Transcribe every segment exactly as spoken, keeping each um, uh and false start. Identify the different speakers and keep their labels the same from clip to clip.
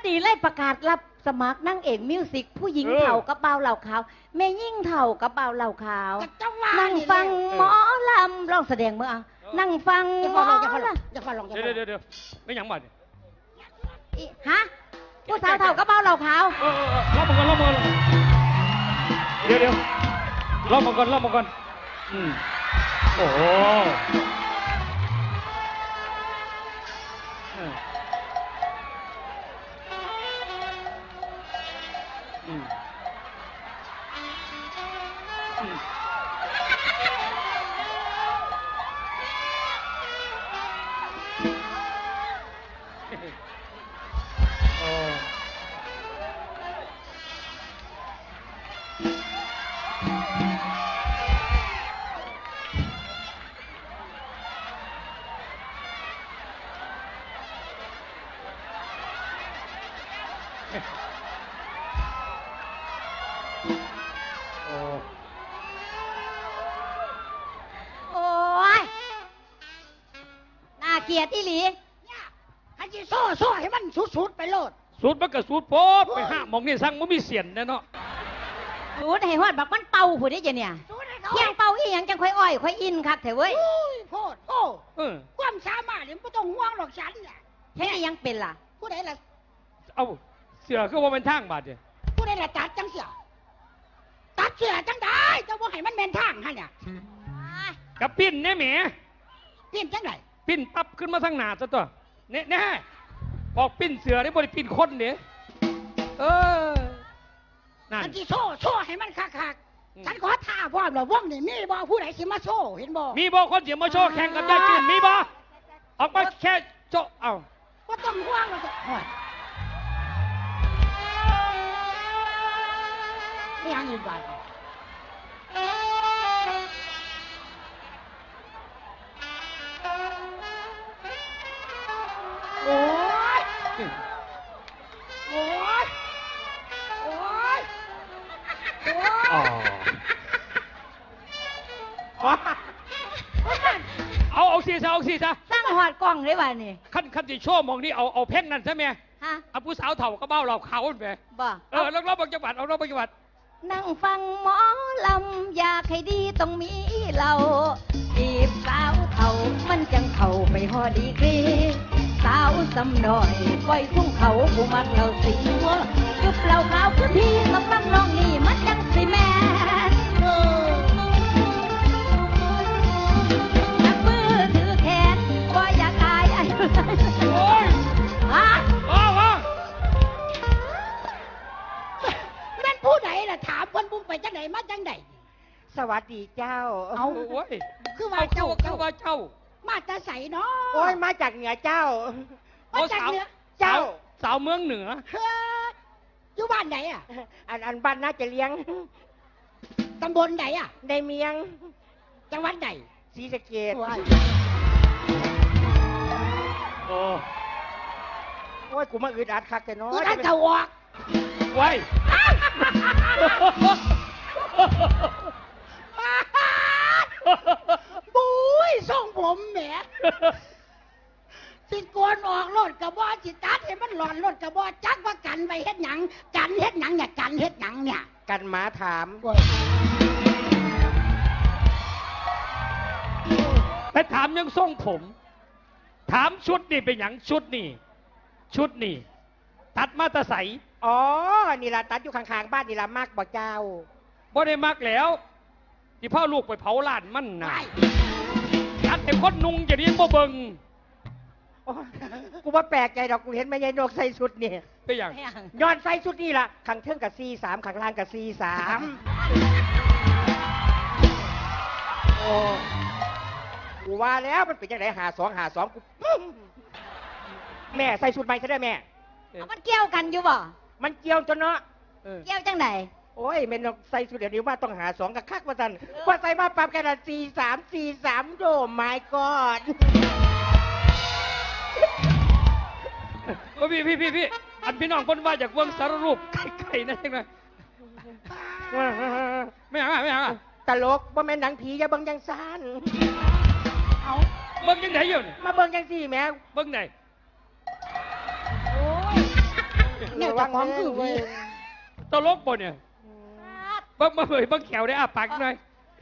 Speaker 1: นี้เลยประกาศรับสมัครนั่งเอกมิวสิกผู้หญิงเถ่ากับเบาเหล่าขาวแม่ยิ่งเถ่ากับเบาเหล่าขาวนั่งฟังหมอลำร้องแสดงเมื่อเอานั่งฟังหมอลำอย่าฟังลองอย่าฟังลอง
Speaker 2: เดี๋ยวเดี๋ยวเดี๋ยวไม่หยังบัด
Speaker 1: ฮะผู้สาวเถ่ากับเบาเหล่าขาว
Speaker 2: เออเออรอบมาก่อนรอบมาก่อนเดี๋ยวเดี๋ยวรอบมาก่อนรอบมาก่อนอืมโอ้โหอืมอืมอืมโอ้
Speaker 1: โอ้ยน่าเกลียดอีหลี
Speaker 3: ให้จีโซ่โซ่ให้มันสุดๆไปโลด
Speaker 2: สูตรมันก็สูตรโพดไปห้ามองนี่สั่งมันมีเสียนแน่เนาะ
Speaker 1: สูดให้ฮอดบักมันเป่าผู้ได้จะเนี่ยเที่ยงเป่าอีหยังจังค่อยอ้อยค่อยอินครับเถอะเว้ย
Speaker 3: โพดโอ้
Speaker 2: เออ
Speaker 3: ความสามารถเนี่ยไม่ต้องห่วงหรอกฉันเนี่ย
Speaker 1: แค่นี้ยังเป็นล่ะ
Speaker 3: ผู้ใดล่ะ
Speaker 2: เอาเสือคือว่าเป็นทางบาดเนี่ย
Speaker 3: ผู้ใดล่ะตัดจังเสียตัดเสียจังได้จะว่าให้มันแมนทางฮะเนี่ย
Speaker 2: กับปิ้นเนี่ยแหม
Speaker 3: ปิ้นจังไหน
Speaker 2: ปิ้นปั๊บขึ้นมาทางหน้าซะตัวเนี่ยแน่บอกปิ้นเสือได้บริปิ้นคนเนี่ยเออนั่น
Speaker 3: อันที่โซ่โซ่ให้มันคักๆฉันขอท่าพร้อมหรอว่องนี่มีบ่ผู้ใดสิมาโซ่เห็นบ่
Speaker 2: มีบ่คนเสียมาโชว์แข่งกับยายจืนมีบ่ออกมาแค่โจเอา
Speaker 3: ว่าต้องห่วงเราจะไม่ยังอยู่บ้านโอ้ยโอ้ยโอ้ยโอ้ย
Speaker 2: เอาเอาสีซะเอาสีซะ
Speaker 1: สร้างหอดกล้องได้บ่านี่
Speaker 2: ขั้นขั้นที่โชว์มองนี่เอาเอาเพ่งนั่นใช่ไหม
Speaker 1: ฮะ
Speaker 2: เอาผู้สาวเถ่าก็เบ้าเราเขาไป
Speaker 1: บ่
Speaker 2: เออแล้วเราบางจังหวัดเอาเราบางจังหวัด
Speaker 1: นั่งฟังหมอลำอยากให้ดีต้องมีเราจีบสาวเถ่ามันจังเข่าไปหอดีกรีสาวสำหน่อยปล่อยทุ่งเขาผู้มักเราสิงวยุบเราขาวพื้นที่สำหรับน้องนี่มันจังสิแม่นักมือถือแขนว่าอยากอายไอ้
Speaker 2: โอ้ย
Speaker 1: ฮะ
Speaker 2: ว้าวว้าว
Speaker 3: นั่นผู้ใดล่ะถามคนบุ้งไปจังไหนมาจังไหน
Speaker 4: สวัสดีเจ้า
Speaker 2: เอาโอ้ย
Speaker 3: คือว่าเจ้า
Speaker 2: คือว่าเจ้า
Speaker 3: มาจะใส่เนาะ
Speaker 4: โอ้ยมาจากเหนือเจ้า
Speaker 3: มาจากเหนือ
Speaker 4: เจ้า
Speaker 2: สาวเมืองเหนือ
Speaker 3: เฮ้ยอยู่บ้านไหนอ่ะ
Speaker 4: อันอันบ้านน่าจะเลี้ยง
Speaker 3: ตำบลไหนอ่ะ
Speaker 4: ในเมียง
Speaker 3: จังหวัดไหน
Speaker 4: ศรีสะเกษ
Speaker 2: โอ้
Speaker 4: โอ้ยกูมาอึดอัดคักแต่น้อย
Speaker 3: กูนั่นจะวอก
Speaker 2: ไว้
Speaker 3: บุ้ยส่งผมแหมสิโกนออกรถกระบอกจิตัดให้มันหลอนรถกระบอกจักว่ากันไปเฮ็ดหยังกันเฮ็ดหยังเนี่ยกันเฮ็ดหยังเนี่ย
Speaker 4: กันหมาถาม
Speaker 2: ไปถามยังทรงผมถามชุดนี่เป็นหยังชุดนี่ชุดนี่ตัดมาตะใส
Speaker 4: อ๋อนี่ล่ะตัดอยู่ข้างๆบ้านนี่ล่ะมากบ่เจ้า
Speaker 2: บ่ได้มักแล้วที่พ่อลูกไปเผาล้านมันน่ะตัดแต่คนนุ่งอย่างนี้บ่เบิ่ง
Speaker 4: กูว่าแปลกใจดอกกูเห็นแม่ยายนกใส่ชุดนี่
Speaker 2: เป็นอย่าง
Speaker 4: ย้อนใส่ชุดนี่ล่ะขังเทิงกับซีสามขังล่างกับซีสามโอ้กูว่าแล้วมันเป็นยังไงหาสองหาสองกูแม่ใส่ชุดใหม่ซะได้แม่
Speaker 1: มันเกี่ยวกันอยู่บ่
Speaker 4: มันเกี่ยวจนเนาะ
Speaker 1: เกี่ยวจังไหน
Speaker 4: โอ้ยแม่นกใส่ชุดเดี๋ยวนี้ว่าต้องหาสองกับคักว่าสันว่าใส่มาปรับกันละซีสามซีสามโดมายกอด
Speaker 2: พี่พี่พี่พี่อันพี่น้องคนว่าจากวงสารรูปไก่ๆนั่นเองนะไม่เอาไม่เอา
Speaker 4: ตลกว่าแม่นหนังผีอย่าเบิ่งยังซ่าน
Speaker 2: เอาเบิ่งยังไหนอยู่
Speaker 4: มาเบิ่งยังสี่แม่
Speaker 2: เบิ่งไหนโอ้ย
Speaker 3: วเจ้าของคือวี
Speaker 2: ตลกบ่เนี่ยบังมาเผยบังแขวได้อ่ะปากหน่อย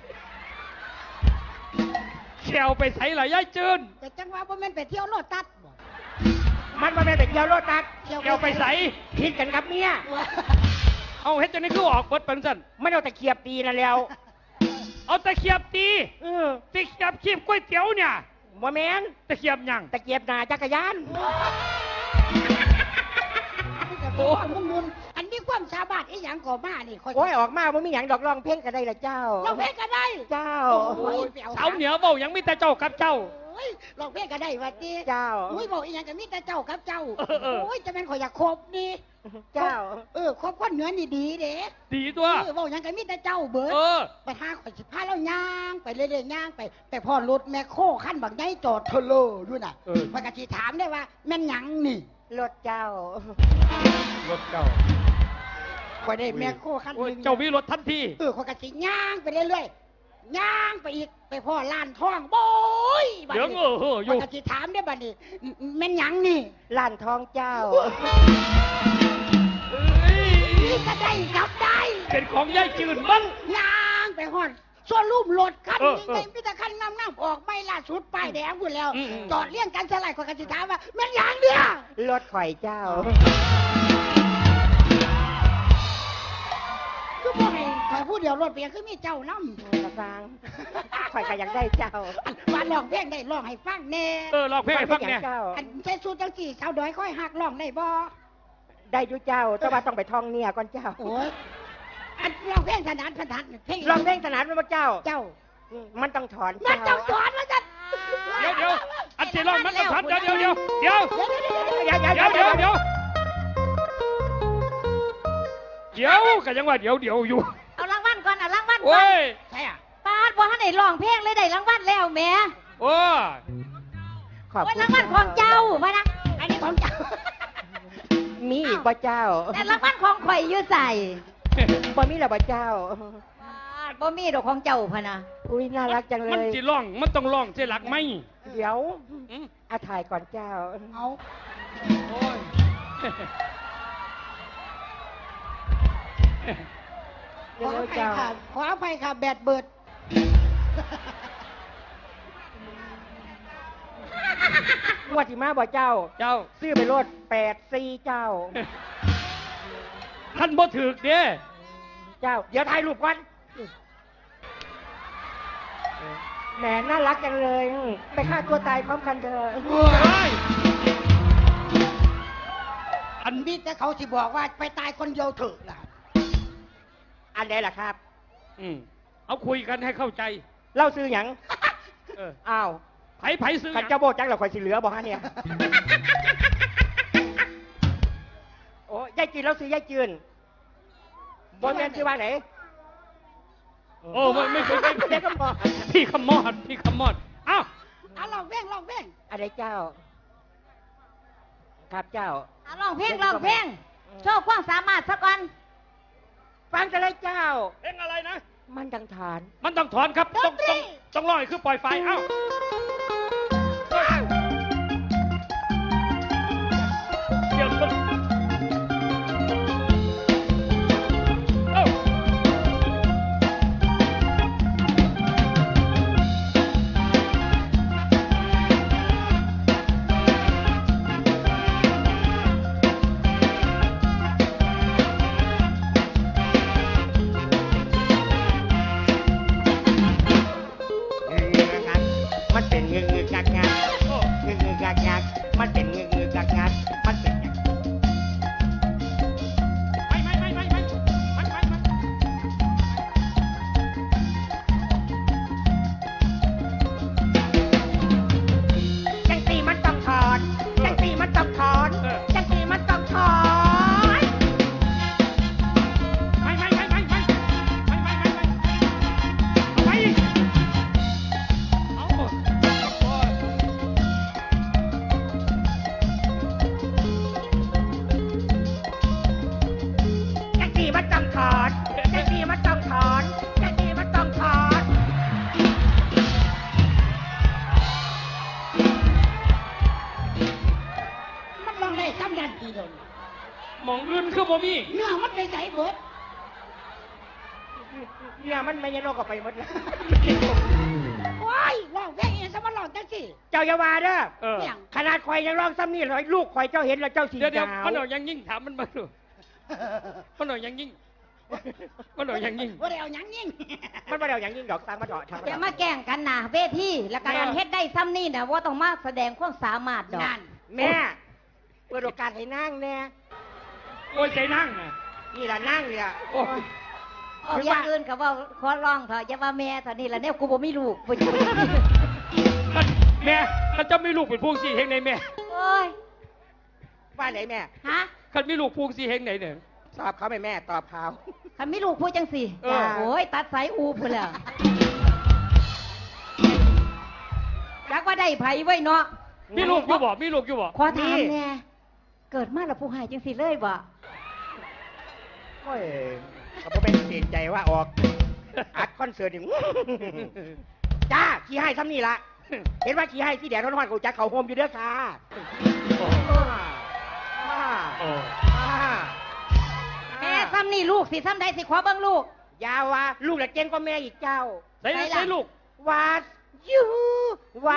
Speaker 2: แขวไปใส่หลายย่ายจืน
Speaker 3: แต่จังว่าบ่แม่นไปเที่ยวโลตัสบ่
Speaker 4: มันมาเป็นเกี่ยวโลตัส
Speaker 2: แขวไปใส่
Speaker 4: ผิดกันกับเมีย
Speaker 2: เอาเฮ็ดจังนี้คือออกเบิดเป็นสั่น
Speaker 4: ไม่เอาแต่เขียบตีนั่นแล้ว
Speaker 2: เอาตะเขียบตี
Speaker 4: เออ
Speaker 2: ตะเขียบขีบก๋วยเตี๋ยวเนี่ย
Speaker 4: บ่แม่น
Speaker 2: ตะเขียบหยัง
Speaker 4: ตะเกียบหนาจักรยาน
Speaker 3: โอ้มึงนุนอันนี้ความสามารถอีหยังก่อมานี่ค่อย
Speaker 4: โอ้ยออกมาบ่มีหยังดอกร้องเพลงก็ได้ละเจ้า
Speaker 3: ร้องเพลงก็ได้
Speaker 4: เจ้า
Speaker 3: โอ้ยไปเอา
Speaker 2: สาวเหนือเว้าหยังมีแต่เจ้ากับเจ้า
Speaker 3: โอ้ยร้องเพลงก็ได้ว่าติ
Speaker 4: เจ้า
Speaker 3: โอ้ยบอกอีหยังก็มีแต่เจ้ากับเจ้า
Speaker 2: เออเออ
Speaker 3: โอ้ยจะแม่นข่อยอยากคบนี่
Speaker 4: เจ้า
Speaker 3: เออคบคนเหนือนี่ดีเด้
Speaker 2: ดีตัว
Speaker 3: เออบอกหยังก็มีแต่เจ้าเบิด
Speaker 2: เออ
Speaker 3: ไปหาข่อยสิพาเราย่างไปเรื่อยๆย่างไปไปพ่อรถแมคโครคันบักใหญ่จอดเทอเลอร์ด้วยน่ะ
Speaker 2: เออ
Speaker 3: มันก็สิถามได้ว่าแม่นหยังนี่
Speaker 4: รถเจ้า
Speaker 2: รถเจ้า
Speaker 3: ข่อยได้แมคโครคันห
Speaker 2: โอ้ย
Speaker 3: นึง
Speaker 2: เจ้ามีรถทันที
Speaker 3: เออข่อยก็สิย่างไปเรื่อยๆย่างไปอีกไปพ่อล้านทองโบยบัด
Speaker 2: เดี๋ยว
Speaker 3: นี้
Speaker 2: เออเอออยู่
Speaker 3: ข่อยก็สิถามได้บัดนี้แม่นหยังนี่
Speaker 4: ล้านทองเจ้า
Speaker 2: เอ้ย
Speaker 3: นี่ก็ได้กลับได้
Speaker 2: เป็นของย่ายจืนบ้าง
Speaker 3: ย่างไปฮอดส่วนรูปรถคัน
Speaker 2: เออ
Speaker 3: นี้
Speaker 2: เออ
Speaker 3: ไงมีแต่คันงามๆออกไม่ล่าสุดป้ายแดงพุ่นแล้ว
Speaker 2: อืมอืม
Speaker 3: จอดเลี้ยงกันสลายข่อยก็สิถามว่าแม่นหยังเนี่ย
Speaker 4: รถข่อยเจ้า
Speaker 3: ก็บอกให้ข่อยผู้เดียวรถเปียคือมีเจ้านำ
Speaker 4: กระซังข่อยก็อยากได้เจ้า
Speaker 3: ว่าร้องเพลงได้ร้องให้ฟังแน่
Speaker 2: เออลองเพลงให้ฟังเนี่ย
Speaker 4: เจ้า
Speaker 3: อันใช้สูตรจังสี่สาวดอยค่อยหักร้องได้บ่
Speaker 4: ได้อยู่เจ้า แต่ว่าต้องไปท่องเนี่ยก่อนเจ้า
Speaker 3: โอ้ยอันร้องเพลงถนัดถนัดเพลง
Speaker 4: ลองเพลงสนานมาเจ้า
Speaker 3: เจ้า
Speaker 4: มันต้องถอน
Speaker 3: มัน
Speaker 4: เจ้า
Speaker 3: ต้องสอนว่าจะ
Speaker 2: เดี๋ยวเดี๋ยวอันที่ร้องมันต้องทันเดี๋ยวเดี๋ยวเดี๋ยวเดี๋ยว
Speaker 3: เดี๋ยวเดี๋ยวเดี๋ยวเดี๋ยว
Speaker 2: เดี๋ยวเดี๋ยวเดี๋ยวเดี๋ยวกันยังว่าเดี๋ยวเดี๋ยวอยู่
Speaker 1: เอารางวัลก่อนเอารางวัลก่
Speaker 2: โอ้
Speaker 1: อน
Speaker 2: ย
Speaker 3: ใช่อ่ะ
Speaker 1: ป้าดบ่ทันได้ร้องเพลงเลยได้รางวัลแล้วแหม่
Speaker 2: โอ้ย
Speaker 4: ขอบ
Speaker 1: โอ้ย
Speaker 4: คุณ
Speaker 1: รางวัลของเจ้ามานะ
Speaker 3: อันนี้ของเจ้า
Speaker 4: มีอีกบ่เจ้า
Speaker 1: แต่รางวัลของข่อยอยู่ใส่
Speaker 4: บ่มีหรอบ่เจ้า
Speaker 1: ป้าดบ่มีดอกของเจ้าพะนะ
Speaker 4: อุ้ยน่ารักจังเล
Speaker 2: มัน
Speaker 4: ย
Speaker 2: จีร้องมันต้องร้องเจหลักไหม
Speaker 4: เดี๋ยว
Speaker 2: อืม
Speaker 4: อาถ่ายก่อนเจ้า
Speaker 3: เอา
Speaker 2: โอ้ย
Speaker 3: ขอ
Speaker 4: เดี๋ยว
Speaker 3: อภัย
Speaker 4: เจ้า
Speaker 3: ค่ะขออภัยค่ะแบตเบิด
Speaker 4: งวดที่มาบ่เจ้า
Speaker 2: เจ้า
Speaker 4: ซื้อไปรถแปดสี่เจ้า
Speaker 2: ท่านบ่ถือเด้
Speaker 4: เจ้า เดี๋ยวถ่ายรูปก่อนแหมน่ารักจังเลย ไปฆ่าตัวตายพร้อมกันเถอะ
Speaker 2: โอ้ยอัน
Speaker 3: มีแต่เขาสิบอกว่าไปตายคนเดียวเถอะล่ะ
Speaker 4: อันไหนล่ะครับ
Speaker 2: อืมเอาคุยกันให้เข้าใจ
Speaker 4: เล่าซื้อหยัง
Speaker 2: เออ
Speaker 4: อ้าว
Speaker 2: ไผไผซื้อห
Speaker 4: ขัน
Speaker 2: ยัง
Speaker 4: เจ้าโบจังเหรอคอยสิเหลือบอกฮะเนี่ย โอ้ยายจีนเราซื้อยายจืนบนแมนชื่อว่าไหน
Speaker 2: โอ้ไม่ไม่ใช่ไม่
Speaker 4: เด็กก็บอก
Speaker 2: พี่ขมอดพี่ขมอดอ้าว
Speaker 3: เอาลองเพลงลองเพลง
Speaker 4: อะไรเจ้า ครับเจ้า
Speaker 1: เอาร้องเพลงร้องเพลงโชว์ความสามารถซะก่อน
Speaker 4: ฟังกันเลยเจ้า
Speaker 2: เพลงอะไรนะ
Speaker 4: มันดังฐาน
Speaker 2: มันต้องถอนครับ ต้องต้องต้องร้อยคือปล่อยไฟเอ้าเดี๋ยวมันเอ้า
Speaker 4: เงืองักมันเป็นเงือเงืองักงัก
Speaker 2: โอ้
Speaker 4: เงือเงืองักงักมันเป็นเงือเงืองักงักมันเป็นอย่าง
Speaker 2: ไม่ไม่ไม่ไม่ไม่ไม่ไม่ไม่
Speaker 4: จังตีมันต้องถอนจังตีมันต้องถอน
Speaker 2: เออ
Speaker 4: จังตีมันต้องถอน
Speaker 2: ไม่ไม่ไม่ไม่ไม่ไม่ไม่ไม่ไม่เอาไปเอาหมดโอ้ย
Speaker 4: จังตีมันต้องถอนจังตีมันต้องถอนจังตีมันต้องถอน
Speaker 3: มันลองได้ซ้ำยันทีเดียว
Speaker 2: หมองอื่นคือบ่มี
Speaker 3: เนื้อมันไปใส่เบิด
Speaker 4: เนี่ยมันไม่ยันโลกก็ไปหมดแล้ว
Speaker 3: ว้ายร้องเพลงยังสมาร้องจังสิ
Speaker 4: เจ้าอย่าว่าเด้อ
Speaker 2: เออ
Speaker 3: เพียง
Speaker 4: ขนาดข่อยยังร้องซ้ำนี่เลยลูกข่อยเจ้าเห็นแล้วเจ้าสี
Speaker 2: เดี๋ยวเดี๋ยว
Speaker 4: ดาว
Speaker 2: มันเอายังยิ่งถามมันมาดูมันเอายังยิ่งมันเอายังยิ่ง
Speaker 3: ว่าได้เอาหยังยิ่ง
Speaker 4: มันมาเดียวอย่างยิ่งดอกตังมาเดาะทาง
Speaker 1: อย่ามาแกล้งกันหนาเวทีแล้วก็การเฮ็ดได้ซ้ำนี่นะว่าต้องมาแสดงความสามารถดอก
Speaker 3: นั่น
Speaker 4: แม่เปิดโอกาสให้นั่งแน่
Speaker 2: โอ้ยใจนั่งนะ
Speaker 4: นี่ล่ะนั่งเนี่ย
Speaker 2: โอ้ย
Speaker 1: เอาอย่างอื่นก็ว่าขอร้องเถอะอย่าว่าแม่เถอะนี่ละเนี่ยกูบ่มีลูกบ่อยู่
Speaker 2: แม่ถ้าเจะมีลูกเป็นพวงสี่เฮงไหนแม่
Speaker 1: โอ้ย
Speaker 4: ว่าไหนแม่
Speaker 1: ฮะ
Speaker 2: คันมีลูกพวงสี่เฮงไหนเนี่ย
Speaker 4: ตอบเขาไหมแม่ตอบเขา
Speaker 1: คันมีลูกพูดจังสิ
Speaker 2: เออ
Speaker 1: โอ้ยตัดสายอูพุ่นแล้วรักว่าได้ไผไว้เนาะ
Speaker 2: มีลูกอยู่บ่มีลูกอยู่บ่
Speaker 1: ขอถามแน่เกิดมาแล้วผู้ให้จังสิเลยบ่
Speaker 4: โอ้ยเขาบ่เป็นเสียใจว่าออกอัดคอนเสิร์ตนี่จ้าขี้ให้ซ้ำนี่ละเห็นว่าขี้ให้ที่แดดร้อนๆกูจักเขาโฮมอยู่เด้อค่ะ
Speaker 2: โอ้
Speaker 4: มา
Speaker 2: โอ้
Speaker 4: มา
Speaker 1: แม่ซ้ำนี่ลูกสิซ้ำใดสิขอเบิ่งลูก
Speaker 4: อยาว่าลูกละเจงก็แม่อีกเจ้า
Speaker 2: ใส่ใส่ลูก
Speaker 4: ว่ายูว่า